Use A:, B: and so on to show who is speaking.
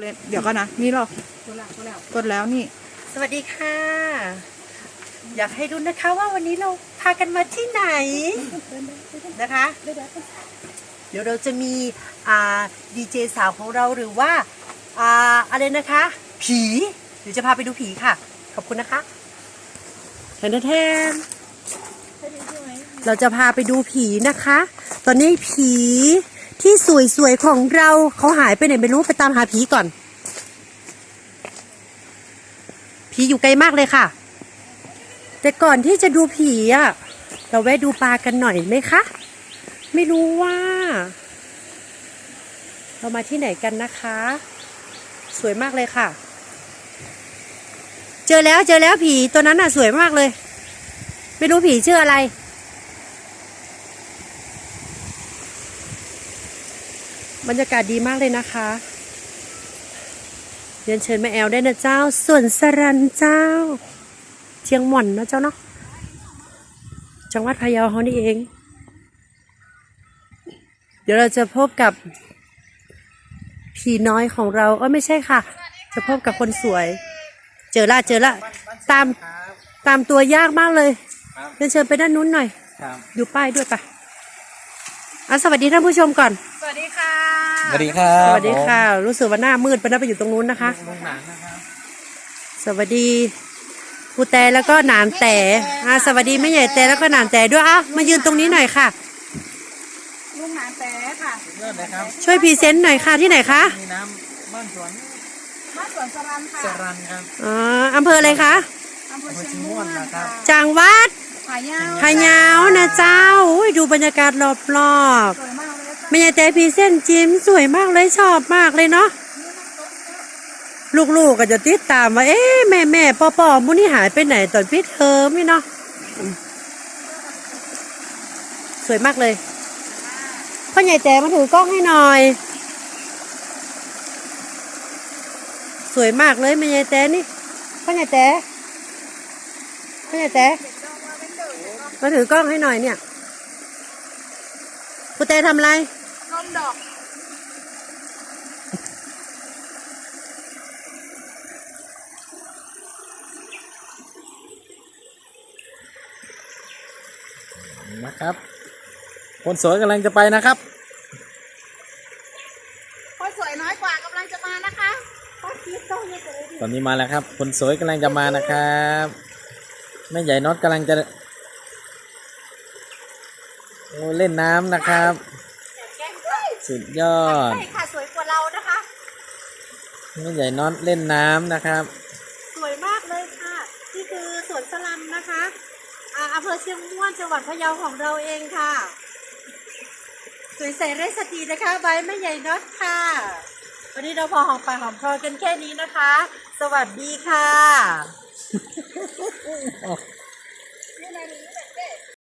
A: เดี๋ยวก่อนนะนี่หรอกกดแล้วนี่
B: สวัสดีค่ะอยากให้รู้นะคะว่าวันนี้เราพากันมาที่ไหนนะคะเดี๋ยวเราจะมีดีเจสาวของเราหรือว่าอะไรนะคะผีเดี๋ยวจะพาไปดูผีค่ะขอบคุณนะคะแทนเราจะพาไปดูผีนะคะตอนนี้ผีที่สวยๆของเราเขาหายไปไหนไม่รู้ไปตามหาผีก่อนผีอยู่ไกลมากเลยค่ะแต่ก่อนที่จะดูผีเราแวะดูปลากันหน่อยไหมคะไม่รู้ว่าเรามาที่ไหนกันนะคะสวยมากเลยค่ะเจอแล้วผีตัวนั้นสวยมากเลยไม่รู้ผีชื่ออะไรบรรยากาศดีมากเลยนะคะเรียนเชิญแม่แอลได้นะเจ้าส่วนสรันเจ้าเชียงหม่อนนะเจ้าเนาะจังหวัดพะเยาเขานี่เองเดี๋ยวเราจะพบกับผีน้อยของเราไม่ใช่ค่ะจะพบกับคนสวยเจอละตามตัวยากมากเลยเรียนเชิญไปด้านนู้นหน่อยดูป้ายด้วยปะสวัสดีท่านผู้ชมก่อน
A: สวัสดีค่ะ
C: สวัสดีครับ
B: สวัสดีค่ะรู้สึกว่าหน้ามืดไปนะไปอยู่ตรงนู้นนะคะสวัสดีครูแต่แล้วก็หนานแต่สวัสดีแม่ใหญ่แต่แล้วก็หนานแต่ด้วยมายืนตรงนี้หน่อยค่ะ
A: ลุงหนานแต่ค่ะ
B: ช่วยพรีเซนต์หน่อยค่ะที่ไหนคะ
C: มีน้ำบ้านสวน
A: สรันค่ะ
C: สรันครับ
B: อำเภออะไรคะ
A: อำเภอเชียงม่วนนะครับ
B: จังหวัด
A: พะเยา
B: นะเจ้าดูบรรยากาศรอบ
A: สวยมากเลย
B: แม่ใหญ่แต่พรีเซนต์จิ้มสวยมากเลยชอบมากเลยเนาะลูกๆก็จะติดตามว่าแม่พ่อมุนี่หายไปไหนตอนปิดเทอมนี่เนาะสวยมากเลยพ่อใหญ่แต่มาถือกล้องให้หน่อยสวยมากเลยแม่ใหญ่แต่นี่พ่อใหญ่แต่มาถือกล้องให้หน่อยเนี่ยคุณแต่ทำอะไร
A: นมดอก
C: นะครับคนสวยกำลังจะไปนะครับ
A: คนสวยน้อยกว่ากำลังจะมานะคะ
C: ตอนนี้มาแล้วครับคนสวยกำลังจะมานะครับแม่ใหญ่น็อตกำลังจะเล่นน้ำนะครับสุดยอด
A: ใช่ค่ะสวยกว่าเรานะคะ
C: แม่ใหญ่น็อตเล่นน้ำนะครับ
A: สวยมากเลยค่ะนี่คือสวนสลัมนะคะอำเภอเชียงม่วนจังหวัดพะเยาของเราเองค่ะสวยใสไร้สตรีนะคะใบแม่ใหญ่น็อตค่ะวันนี้เราพอหอมปากหอมคอกันแค่นี้นะคะสวัสดีค่ะ